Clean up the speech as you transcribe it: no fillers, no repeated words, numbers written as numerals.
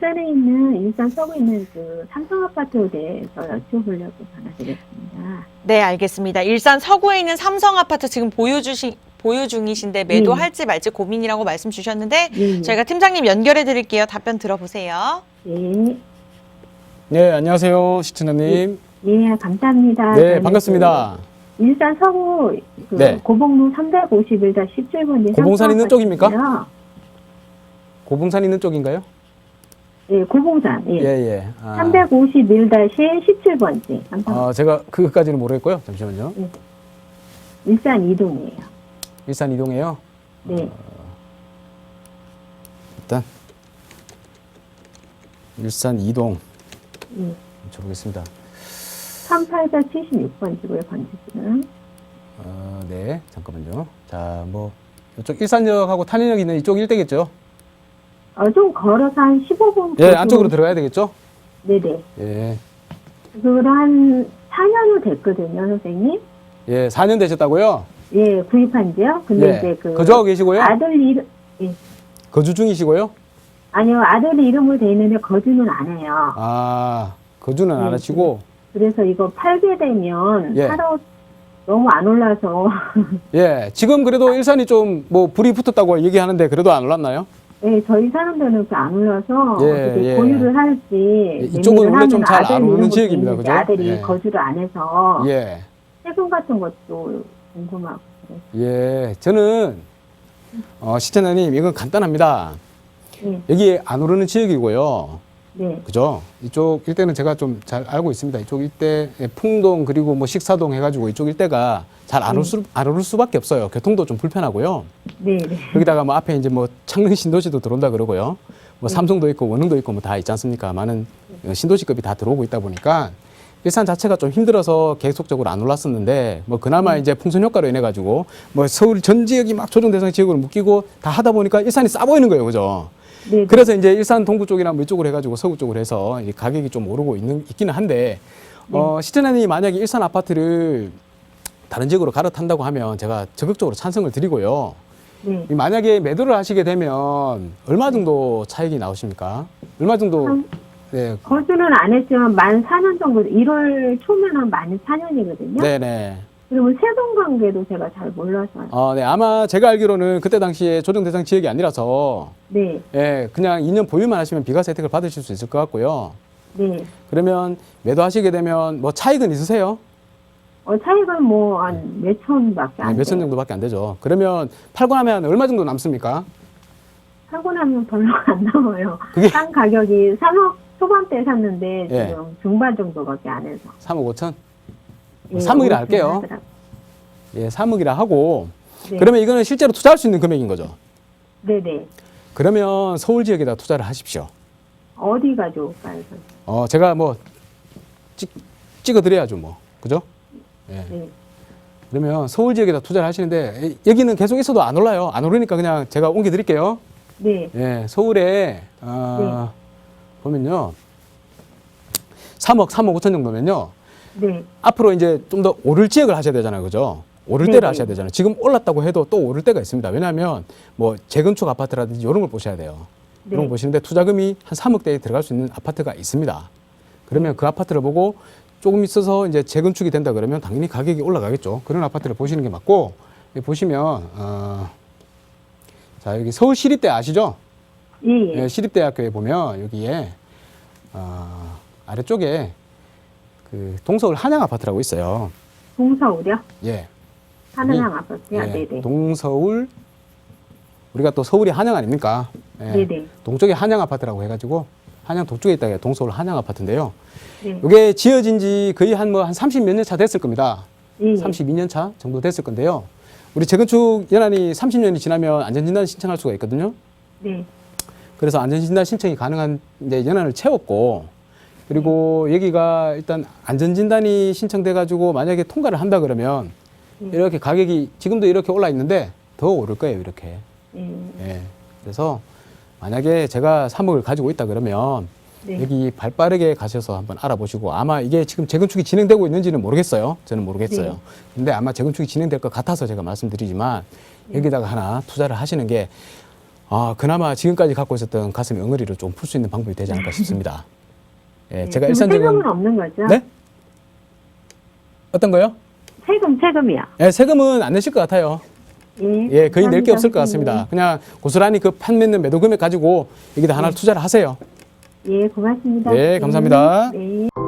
일산에 있는, 일산 서구에 있는 그 삼성 아파트에 대해서 여쭤보려고 전화드렸습니다. 네, 알겠습니다. 일산 서구에 있는 삼성 아파트 지금 보유 중이신데 매도할지 말지 고민이라고 말씀 주셨는데 예. 저희가 팀장님 연결해 드릴게요. 답변 들어보세요. 네. 네, 안녕하세요. 시청자님. 예, 감사합니다. 네, 저는 반갑습니다. 그 일산 서구 그 네. 고봉로 351-17번지 고봉산 있는 쪽입니까? 고봉산 있는 쪽인가요? 예, 고봉산. 예. 예, 예. 아, 351-17번지. 제가 그것까지는 모르겠고요. 잠시만요. 일산 이동이에요. 일산 이동해요. 네. 일단 일산 이동 예. 쳐보겠습니다. 3876번지고요, 번지는. 네, 잠깐만요. 자, 뭐 이쪽 일산역하고 탄현역 있는 이쪽 일대겠죠? 좀 걸어서 한 15분. 예, 안쪽으로 들어가야 되겠죠? 네네. 예, 그걸 한 4년은 됐거든요, 선생님. 예, 4년 되셨다고요? 예, 구입한 지요. 근데 예, 이제 그. 거주하고 계시고요? 아들 이름, 예. 거주 중이시고요? 아니요, 아들 이름으로 돼 있는데 거주는 안 해요. 아, 거주는 안 네, 하시고. 그래서 이거 팔게 되면 예. 사러 너무 안 올라서. 예, 지금 그래도 일산이 좀 뭐 불이 붙었다고 얘기하는데 그래도 안 올랐나요? 예, 저희 사람들은 안 올라서 예, 어떻게 예. 보유를 할지. 이쪽은 매매를 원래 좀 하면 잘 아들 안 오르는 이름으로 지역입니다, 돼 있는데 그죠? 아들이 예. 거주를 안 해서 예, 세금 같은 것도 궁금하고 그래서. 예, 저는 시청자님 이건 간단합니다. 예, 여기 안 오르는 지역이고요. 네, 그죠? 이쪽 일대는 제가 좀 잘 알고 있습니다. 이쪽 일대 풍동 그리고 뭐 식사동 해가지고 이쪽 일대가 잘 안 오를 수밖에 없어요. 교통도 좀 불편하고요. 네, 네. 여기다가 뭐 앞에 이제 뭐 창릉 신도시도 들어온다 그러고요. 뭐 삼성도 있고 원흥도 있고 뭐 다 있지 않습니까? 많은 신도시급이 다 들어오고 있다 보니까 일산 자체가 좀 힘들어서 계속적으로 안 올랐었는데 뭐 그나마 이제 풍선 효과로 인해 가지고 뭐 서울 전 지역이 막 조정 대상 지역으로 묶이고 다 하다 보니까 일산이 싸 보이는 거예요, 그죠? 네, 그래서 이제 일산 동구 쪽이나 뭐 이쪽으로 해가지고 서구 쪽으로 해서 이 가격이 좀 오르고 있기는 한데 시청자님이 만약에 일산 아파트를 다른 지역으로 갈아탄다고 하면 제가 적극적으로 찬성을 드리고요. 네. 만약에 매도를 하시게 되면 얼마 정도 차익이 나오십니까? 얼마 정도? 네, 거주는 안 했지만 만 4년 정도, 1월 초면 만 4년이거든요. 네네. 그러면 세금 관계도 제가 잘 몰라서. 네, 아마 제가 알기로는 그때 당시에 조정 대상 지역이 아니라서 네, 예, 그냥 2년 보유만 하시면 비과세 혜택을 받으실 수 있을 것 같고요. 네. 그러면 매도하시게 되면 뭐 차익은 있으세요? 차익은 뭐 한 몇천밖에 안 돼요. 몇천 정도밖에 안 되죠. 그러면 팔고 나면 얼마 정도 남습니까? 사고 나면 별로 안 남아요. 그게- 싼 가격이 3억 초반대 샀는데 예. 지금 중반 정도밖에 안 해서. 3억 5천? 예, 3억이라 오르긴 할게요. 하더라고요. 예, 3억이라 하고 네. 그러면 이거는 실제로 투자할 수 있는 금액인 거죠. 네네. 그러면 서울 지역에다 투자를 하십시오. 어디가 좋을까요? 선생님? 제가 뭐 찍어드려야죠, 뭐. 그죠? 예. 네. 그러면 서울 지역에다 투자를 하시는데 여기는 계속 있어도 안 올라요. 안 오르니까 그냥 제가 옮겨드릴게요. 네. 예, 서울에 보면요. 3억 5천 정도면요. 네. 앞으로 이제 좀 더 오를 지역을 하셔야 되잖아요. 그죠? 오를 네네. 때를 하셔야 되잖아요. 지금 올랐다고 해도 또 오를 때가 있습니다. 왜냐하면 뭐 재건축 아파트라든지 이런 걸 보셔야 돼요. 네. 이런 거 보시는데 투자금이 한 3억대에 들어갈 수 있는 아파트가 있습니다. 그러면 그 아파트를 보고 조금 있어서 이제 재건축이 된다 그러면 당연히 가격이 올라가겠죠. 그런 아파트를 보시는 게 맞고 여기 보시면 자 여기 서울시립대 아시죠? 예, 예. 예, 시립대학교에 보면 여기에 아래쪽에 그 동서울 한양 아파트라고 있어요. 동서울이요? 예. 하늘항 아파트요? 예, 네네. 동서울 우리가 또 서울이 한양 아닙니까? 예, 네네. 동쪽에 한양 아파트라고 해가지고 한양 동쪽에 있다가 동서울 한양 아파트인데요. 네. 이게 지어진 지 거의 한 30몇 년 차 됐을 겁니다. 예, 예. 32년 차 정도 됐을 건데요. 우리 재건축 연한이 30년이 지나면 안전진단 신청할 수가 있거든요. 네. 그래서 안전진단 신청이 가능한 이제 연한을 채웠고, 그리고 여기가 일단 안전진단이 신청돼가지고 만약에 통과를 한다 그러면 이렇게 가격이 지금도 이렇게 올라 있는데 더 오를 거예요, 이렇게. 예. 예. 그래서 만약에 제가 3억을 가지고 있다 그러면 네. 여기 발빠르게 가셔서 한번 알아보시고 아마 이게 지금 재건축이 진행되고 있는지는 모르겠어요. 저는 모르겠어요. 네. 근데 아마 재건축이 진행될 것 같아서 제가 말씀드리지만 여기다가 하나 투자를 하시는 게 그나마 지금까지 갖고 있었던 가슴의 엉어리를 좀 풀 수 있는 방법이 되지 않을까 싶습니다. 예, 제가 그럼 일산적인 세금은 없는 거죠? 네? 어떤 거요? 세금이요. 예, 세금은 안 내실 것 같아요. 예, 거의 낼 게 없을 것 같습니다. 그냥 고스란히 그 판매는 매도 금액 가지고 여기다 하나 투자를 하세요. 예, 고맙습니다. 네, 감사합니다. 네.